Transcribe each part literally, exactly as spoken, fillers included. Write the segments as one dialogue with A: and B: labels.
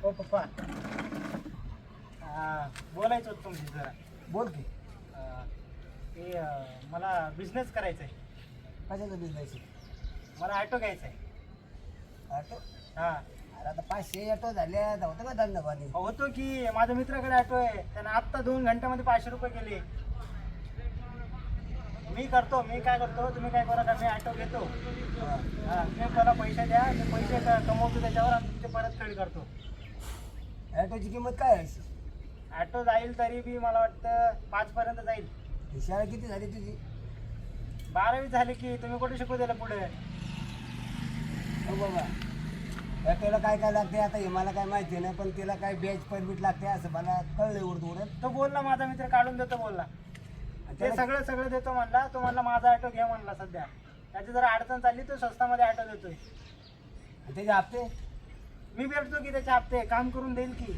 A: हो पप्पा, बोलायचं होतं तुमची जरा.
B: बोल की.
A: ते मला बिझनेस करायचा आहे.
B: कशाचा बिझनेस आहे?
A: मला ऑटो घ्यायचा आहे.
B: ऑटो?
A: हां.
B: अरे आता पाचशे ऑटो झाले, होतं का धंदा पाणी?
A: होतो की, माझ्या मित्राकडे ऑटो आहे. त्यानं आत्ता दोन घंट्यामध्ये पाचशे रुपये गेले. मी करतो, मी काय करतो, तुम्ही काय करा, मी ऑटो घेतो. हां, मी मला पैसे द्या, मी पैसे क- कमवतो त्याच्यावर आणि तुमचे परत फेड करतो.
B: ऑटोची किंमत काय आहे?
A: ऑटो जाईल तरी बी मला वाटतं पाच पर्यंत जाईल.
B: शाळा किती झाली तुझी?
A: बारावी झाली की, तुम्ही कुठे शिकू दिलं पुढे?
B: हो बाबा, ऑटोला काय काय लागते आता हे मला काय माहिती नाही, पण तिला काय बॅच परमिट लागते असं मला कळलं उडत उडत.
A: तो बोलला माझा मित्र काढून देतो बोलला. ते सगळं सगळं देतो म्हणला. तो म्हणला माझा ऑटो घे म्हणला. सध्या त्याची जरा अडचण चालली, तो स्वस्तामध्ये ऑटो देतोय.
B: त्याचे हप्ते
A: मी भेटतो की त्याचे हप्ते काम करून देईल की.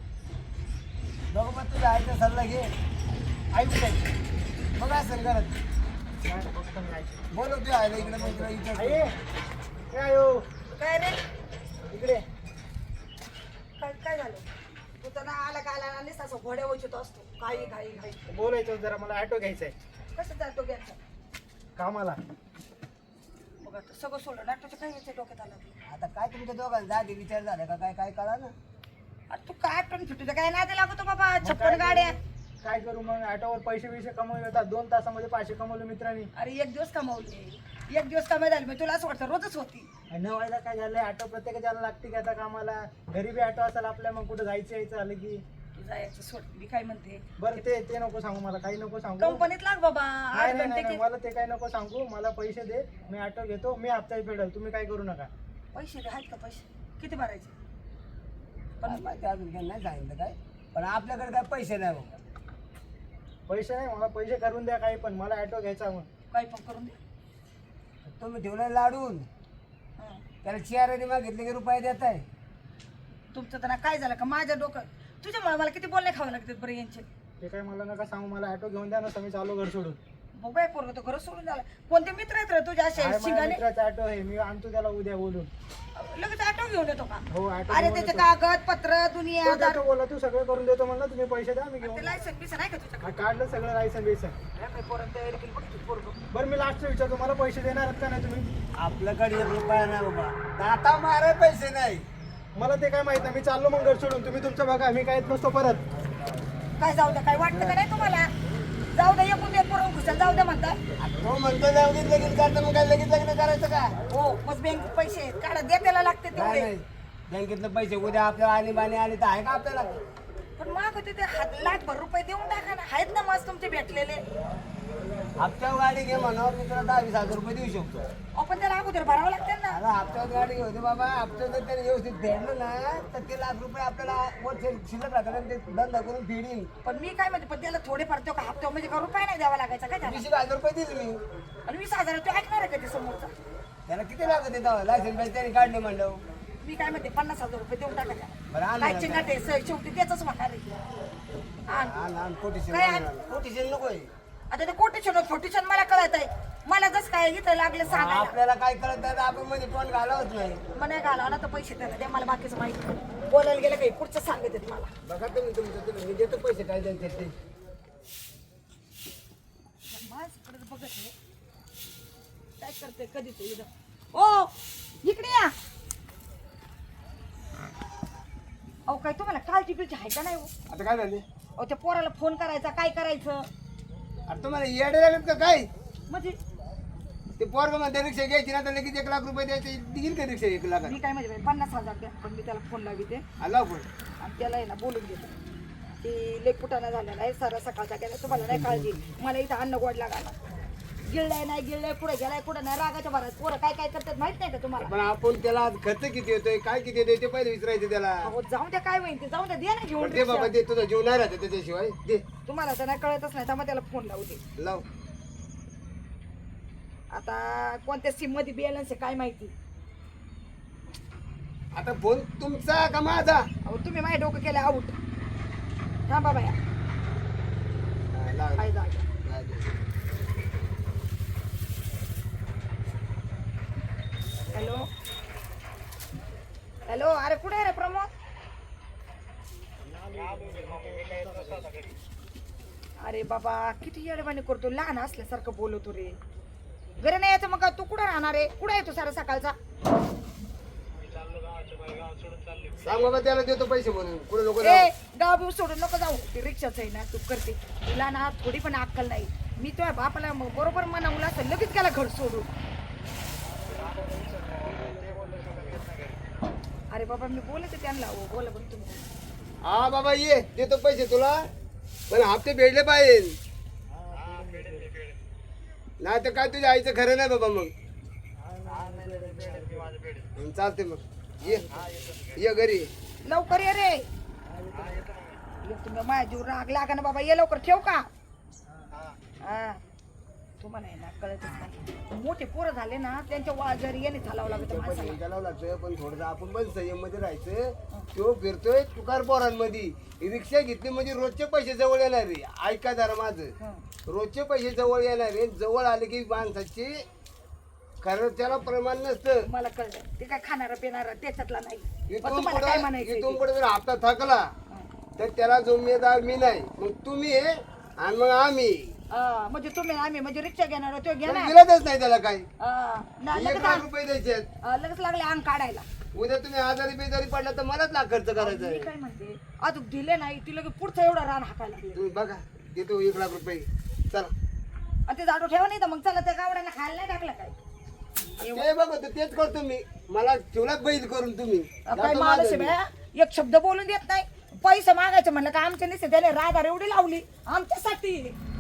B: बघू पण तुझ्या आईचा सल्ला घे.
A: आई कुठे?
B: बघ असं करत बोलव तुझ्या आईला इकडे, मग तुला विचार.
A: आई काय हो
C: काय रे?
A: इकडे.
C: काय काय झालं? तू तर ना आला का आला नाही असं घोड्या वचत असतो. घाई घाई घाई.
A: बोलायचं जरा, मला ऑटो घ्यायचा आहे
C: कसं जातो घ्यायचं?
A: कामाला.
C: बघ आता सगळं सोडलं. नाटकाचं काय यायचं डोक्यात आलं तुला?
B: आता काय तुमच्या दोघांचा आधी विचार झाला का काय काय कळा ना?
C: अरे तू काय पण फिटू काय नाही लागतो बाबा.
A: मग
C: छप्पन
A: काय
C: गाड्या.
A: करू? काय करू मग? ऑटोवर पैसे बिशे कमवले होतात. दोन तासामध्ये पाचशे कमवले मित्रांनी.
C: अरे एक दिवस कमावले, एक दिवस कमाई झाली. मग तुला असं वाटतं रोजच होती.
A: आणि न व्हायला काय झालंय, ऑटो प्रत्येकाला लागते की आता कामाला. गरीबी ऑटो असेल आपल्या, मग कुठं जायचं यायचं आलं की.
C: तू जायचं सोड. मी काय म्हणते,
A: बरं ते ते नको सांगू, मला काही नको सांगू.
C: कंपनीत लाग बाबा.
A: नाही
C: आठ
A: नाही
C: घंटे
A: नाही,
C: की-
A: मला ते काही नको सांगू. मला पैसे दे, मी ऑटो घेतो, मी हप्ता फेडेल. तुम्ही काय करू नका.
C: पैसे दे. आहेत का पैसे? किती भरायचे?
B: पण माहिती अजून काही नाही सांगितलं काय, पण आपल्याकडे काय पैसे नाही बघ.
A: पैसे नाही, मला पैसे करून द्या काही पण. मला ऑटो घ्यायचा मग.
C: काही पण करून दे.
B: तुम्ही ठेवलं लाडून,
C: हं.
B: त्याला चियाराने मागितले की रुपये देत आहे.
C: तुमचं तर ना काय झालं का माझ्या डोकं तुझ्यामुळे मला किती बोलणे खावं लागतात बरं यांचे.
A: ते काय मला नका सांगू. मला ऑटो घेऊन द्या ना, मी चालू घर सोडून.
C: बघाय पोरग तो घर सोडून झाला. कोणते मित्र आहेत रे तुझ्या असे
A: आहे माझ्या
C: शिंगाने?
A: मित्राचा ऑटो आहे, मी आणतो त्याला उद्या बोलून.
C: लगेच ऑटो घेऊन येतो का?
A: हो ऑटो
C: अरे
A: घेऊन
C: त्याचे
A: येतो.
C: कागद पत्र दुनिया
A: तो ऑटो बोला, तू सगळं करून देतो म्हणलं, तुम्ही पैसे द्या, मी घेऊन.
C: लायसन बिसन आहे का तुझ्याकडे?
A: हा, काढलं सगळं लायसन बिसन.
C: काय पोरं तयारी केली बघ तू पोरगं.
A: बरं मी लास्ट विचारतो, मला पैसे देणार आहेत का नाही तुम्ही?
B: आपल्याकडे एक रुपया नाही बाबा, दाता मारे पैसे नाही.
A: मला ते काय माहित नाही, मी चाललो मग घर सोडून. तुम्ही तुमचं बघा, मी काय येत नसतो परत.
C: काय जाऊ द्या, काय वाटतं का नाही तुम्हाला? जाऊ द्या, एकूण एक पोरं खुशाल जाऊ द्या म्हणता.
B: तो म्हणतो लगेच लगेच करतो, मग काय लगेच लग्न करायचं का?
C: हो मग बँक पैसे आहेत. काढा द्या, त्याला लागते
B: नाही
C: तेवढे.
B: नाही, बँकेतलं पैसे उद्या आपल्याला आणि बाणी आली तर आहे का आपल्याला?
C: पण माग तिथे हात लाखभर रुपये देऊन टाका ना. आहेत ना मस्त तुमचे भेटलेले.
B: हप्त्यावर गाडी घे म्हणा, मी तुला दहा वीस हजार रुपये देऊ शकतो.
C: आपण त्याला अगोदर भरावं लागते ना.
B: आता हप्त्यावर गाडी घेऊ बाबा. हप्त्यावर जर त्याने व्यवस्थित फेडलं ना तर ते लाख रुपये आपल्याला वर शिल्लक राहतात आणि ते धंदा करून फेडीन.
C: पण मी काय म्हणते, पण त्याला थोडे फार का हप्त्यावर म्हणजे का रुपये नाही द्यावा लागायचा काय त्याला?
B: वीस एक हजार रुपये दिले मी.
C: आणि वीस हजार तू ऐकणार आहे का ते समोरचा?
B: त्याला किती लागत येतं लायसन पाहिजे त्याने काढले म्हणलं.
C: मी काय म्हणते, पन्नास हजार रुपये देऊन टाका
B: बरं
C: त्याला.
B: आण
C: काय
B: ना.
C: चिंगाट आहे, स- शेवटी त्याच म्हणणार आहे. आण.
B: आण आण कोटीशन
C: काय आण?
B: कोटीशन नकोय.
C: आता ते कोटेशन फोटेशन मला कळत आहे. मला जसं काय इथं लागलं सांगायला.
B: आपल्याला काय कळत नाही तर आपण मध्ये तोंड घालावत नाही.
C: मग नाही घाला ना तर पैसे त्याला द्या. मला बाकीचं माहिती नाही. बोलायला गेलं काही पुढचं सांगत आहेत मला.
B: बघा तुम्ही तुमचं तुम्ही मी देतो पैसे काय द्यायचे ते.
C: माझ्याकडे बघत आहे. काय करते कधी ते इथं? ओ इकडे या. अहो काय तुम्हाला काळजी बिळची आहे का नाही हो?
B: आता काय झाले?
C: अहो त्या पोराला फोन करायचा, काय करायचं
B: अरे तुम्हाला येडे लागत का काय?
C: म्हणजे?
B: ते पोरग म्हणते रिक्षा घ्यायची ना तर लगेच एक लाख रुपये द्यायचे देईल का रिक्षा एक लाख?
C: मी काय म्हणजे पन्नास हजार द्या, पण मी त्याला फोन लाविते
B: आला पण
C: आणि त्याला आहे ना बोलून घेते. ती लेक कुटाणा झालेला आहे सारा सकाळचा गेला. तुम्हाला नाही काळजी. मला इथं अन्न गोड लागायला. गिळलाय नाही गिळलाय, कुठे गेलाय कुठं नाही. रागाच्या भरात पोरं काय काय करतात माहित नाही का तुम्हाला?
B: पण आपण त्याला आज खर्च किती येतोय काय किती येतोय ते पहिले विचारायचं त्याला.
C: अहो जाऊन द्या, काय होईल ते जाऊन द्या. द्या ना घेऊन
B: ते बाबा
C: रिक्षा.
B: ते तुझा जीव नाही राहत त्याच्याशिवाय दे.
C: तुम्हाला तर नाही कळतच नाही, त्यामुळे त्याला फोन लावू दे.
B: लाव.
C: आता कोणत्या सिम मध्ये बॅलन्स आहे काय माहिती.
B: आता फोन तुमचा का माझा?
C: अहो तुम्ही माझ्या डोकं केलं आऊट. थांबा बाया.
B: हा, लाव.
C: काय जागा.
B: लाव दे.
C: Hello hello. अरे कुठे आहे रे प्रमोद? अरे बाबा किती येडवाणी करतो, लहान असल्यासारखं बोलतो रे. घरी नाही यायचं मग तू कुठं राहणार आहे? कुठं येतो सारा सकाळचा?
B: सांग बाबा त्याला देतो पैसे म्हणून कुठे नको
C: ए गाव बिव सोडून नको जाऊ. ते रिक्षाच आहे ना तू करते. तुला ना थोडी पण अक्कल नाही. मी तुझ्या बापाला मग बरोबर म्हणवलं असं लगेच गेला घर सोडून. अरे बाबा मी बोलते त्यांना. हो बोला बघ तुम्ही.
B: हा बाबा ये देतो पैसे तुला, पण हप्ते भेटले पाहिजे. नाही तर काय तुझ्या आईचं खरं नाही बाबा. मग चालते मग ये ये घरी.
C: लवकर ये रे. ये तुम्ही माझ्या जीव राग लागा ना बाबा. ये लवकर. ठेव का? हा तुम्हाला आहे ना कळतच नाही. मोठे पोरं झाले ना त्यांच्या वाजरी येणे चालावं लागतं माणसाला.
B: चालावं लागतं पण थोडंसं आपण पण संयम मध्ये राहायचं. तो फिरतोय तुकार पोरांमध्ये. रिक्षा घेतली म्हणजे रोजचे पैसे जवळ येणार रे. ऐका जरा माझं. रोजचे पैसे जवळ येणार रे. जवळ आले की माणसाची खरं त्याला प्रमाण नसतं.
C: मला कळलं ते काय खाणार पिणार त्याच्यातला नाही. पण
B: इथून
C: तुम्हाला काय
B: पुढे
C: म्हणायचं
B: इथून पुढे जर हप्ता थकला तर त्याला जिम्मेदार मी नाही. मग तुम्ही आहे आणि मग आम्ही.
C: म्हणजे तुम्ही आम्ही म्हणजे रिक्षा घेणार तो घेणार.
B: दिलाच नाही त्याला काही.
C: हा, ना,
B: एक
C: लगेच
B: लाख
C: आण-
B: रुपये द्यायचे आहेत.
C: अं, लगेच लागले अंग काढायला.
B: उद्या तुम्ही आजारी बेजारी पडला तर मलाच लाख खर्च करायचा
C: मी
B: आहे.
C: काय म्हणते अजून दिले नाही ती लगेच पुढचं एवढं रान हाकायला लागले.
B: तुम्ही बघा देतो एक लाख रुपये. चला
C: आणि ते झाडू ठेवा नाही तर मग चला त्या गावड्यांना खायला नाही टाकलं काय?
B: ते बघतो तेच करतो मी. मला ठेवला बैल करून तुम्ही.
C: काय
B: जातो
C: माणूस
B: माझं
C: आहे
B: मी.
C: बया, एक शब्द बोलून देत नाही. पैसे मागायचे म्हणलं का आमच्या निश्चित त्याने राधार एवढी लावली आमच्यासाठी.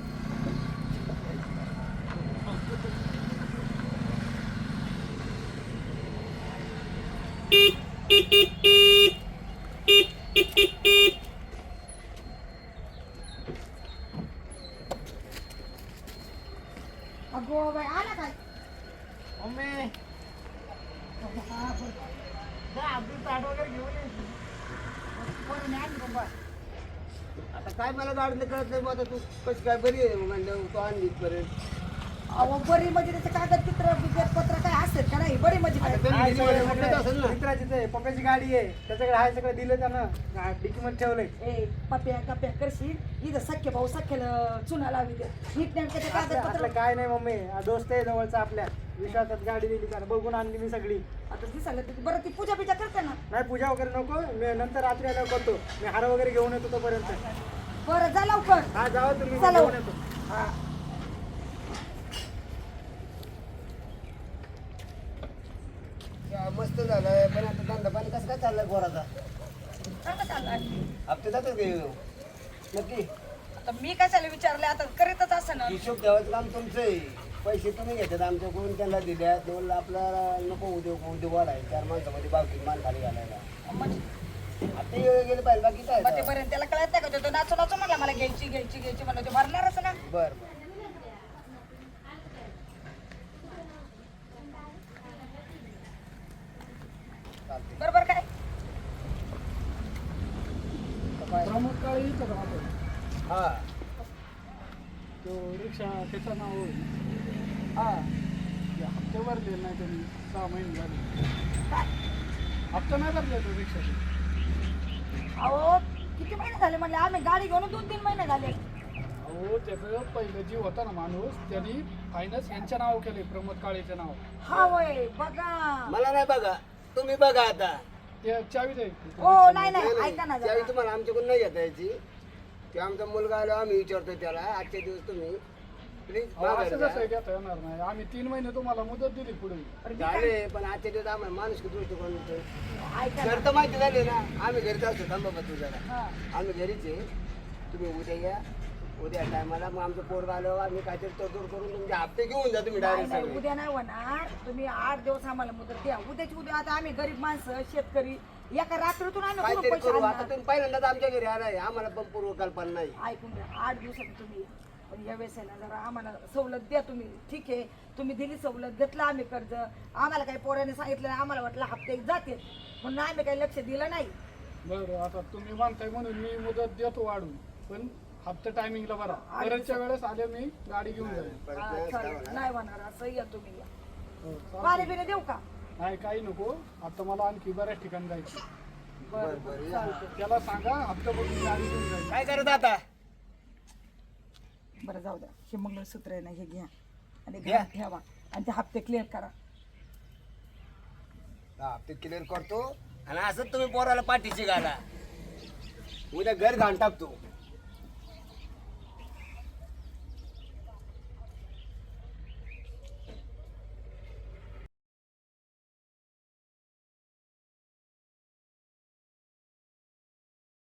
C: अगो बाई आला काय?
A: मम्मी जा आपली ताट वगैरे घेऊन ये.
C: कोणी नाही आणली बाबा.
B: आता काय मला गाडीला कळत नाही. मग आता तू कशी काय बरी आहे म्हणलं तो आणली इथपर्यंत.
C: अहो बरी म्हणजे त्याचं कागदपत्र बिगदपत्र काय असेल का नाही? बरी म्हणजे काय?
B: त्यांनी दिली म्हणजे म्हटलं तर असेल ना.
A: मित्राचीच आहे. पप्पाची गाडी आहे त्याच्याकडे आहे. सगळं दिलं त्यानं डिकी मध्ये ठेवलंय.
C: ए पप्या कप्या करशील इथं सख्य भाऊ सख्याला चुना लावी दे. नीट नेमकं ते
A: असलं
C: कागदपत्र.
A: असलं काय नाही मम्मी. हा दोस्त आहे जवळचा आपल्या. विश्वासात गाडी दिली त्यानं. बघून आणली मी सगळी.
C: आता दिसायला ते बरं ती पूजा बिजा करते ना.
A: नाही पूजा वगैरे नको. मी नंतर रात्री आल्यावर करतो. मी हार वगैरे घेऊन येतो तोपर्यंत.
C: बरं जा लवकर.
A: हा जावा तुम्ही.
C: चला.
A: घेऊन येतो.
C: हा.
B: या, मस्त झालंय पण आता धंदा पाणी कसं काय चाललंय गोराचा?
C: चांगलं चाललंय.
B: हप्ते जातात का येऊ? नक्की
C: आता मी कशाला विचारले आता करीतच असं ना.
B: हिशोब ठेवायचं काम तुमचं आहे. पैसे तुम्ही घेतात आमच्याकडून त्यांना दिल्या. दोन आपल्याला नको उद्योग उद्योग वाढाय. चार माणसामध्ये बाकी मान खाली घालायला.
C: म्हणजे
B: आता हे गेले पाहिजे बाकी काय.
C: मग ते पर्यंत त्याला कळत नाही का तो नाचू नाचू म्हणला मला घ्यायची घ्यायची घ्यायची म्हणलं ते भरणारच ना.
B: बर बर
C: बरोबर काय?
A: प्रमोद काळे इथं राहतो.
B: हा
A: तो रिक्षा त्याचं नाव होईल.
C: हा.
A: ते हप्ते भरले नाही त्यांनी. सहा महिने झाले. हप्ता नाही भरले तो रिक्षाचे.
C: अहो किती महिने झाले म्हणले आम्ही गाडी घेऊन दोन तीन महिने झाले.
A: अहो त्याचं पहिलं जीव होता ना माणूस त्यांनी फायनान्स यांच्या नाव केले. प्रमोद काळेचं नाव.
C: हा वय बघा.
B: मला नाही बघा तुम्ही बघा आता.
A: ते चावी दे.
C: हो नाही नाही ऐका ना
B: त्यावेळी
C: जरा.
B: तुम्हाला आमच्याकडून नाही घेता यायची. ते आमचा मुलगा आलो आम्ही विचारतो त्याला आजच्या दिवस तुम्ही प्लीज
A: असं कसं घेता येणार नाही. आम्ही तीन महिने तुम्हाला मुदत दिली पुढे.
B: झाले पण आजच्या दिवस आम्हाला माणूस दृष्टिकोन
C: ऐका ना.
B: घर तर माहिती झाले ना. आम्ही घरीच असतो. थांबा बा तुझ्याला.
C: हा.
B: आम्ही घरीच आहे. तुम्ही उद्या या. उद्या टायमाला मग आमचं पोरगा आलो आम्ही काहीतरी तोडतोड करून तुमचे हप्ते घेऊन जा तुम्ही
C: नाही
B: डायरेक्ट
C: नाही
B: सगळे.
C: उद्या नाही होणार. तुम्ही आठ दिवस आम्हाला मुदत द्या. उद्याची उद्या आता आम्ही गरीब माणसं शेतकरी एका रात्रीतून आम्ही कुठून
B: काहीतरी
C: पैसे
B: करू. आता
C: आणणार?
B: तुम्ही पहिल्यांदाच आमच्या घरी आलाय. आम्हाला पण पूर्व कल्पना नाही.
C: ऐकून घ्या आठ दिवसात तुम्ही या. पण या वेळेस आहे ना जरा आम्हाला सवलत द्या तुम्ही. ठीक आहे तुम्ही दिली सवलत घेतलं आम्ही कर्ज. आम्हाला काही पोराने सांगितलं नाही. आम्हाला वाटलं हप्ते जाते म्हणून आम्ही काही लक्ष दिलं नाही.
A: बरं आता तुम्ही म्हणताय म्हणून मी मुदत देतो वाढून. पण हप्ता टायमिंगला भरा. परतच्या वेळेस आले मी गाडी घेऊन जाईल.
B: परत
C: हा,
B: नाही
C: चालेल.
B: असं
C: नाही होणार असं या तुम्ही या.
A: हो, चालतंय.
C: पाणी बिणी देऊ का?
A: नाही काही नको. आता मला आणखी बऱ्याच ठिकाणी जायचं.
B: बरं बरं या.
A: त्याला सांगा हप्ता बघून गाडी घेऊन जाईल.
B: काय करत आता
C: बरं जाऊ द्या, हे मंगळसूत्र आहे ना हे घ्या आणि
B: घ्या.
C: घरात ठेवा आणि ते हप्ते क्लिअर करा.
B: हा ते क्लिअर करतो आणि असंच तुम्ही पोराला पाठीशी घाला, उद्या घर घाण टाकतो.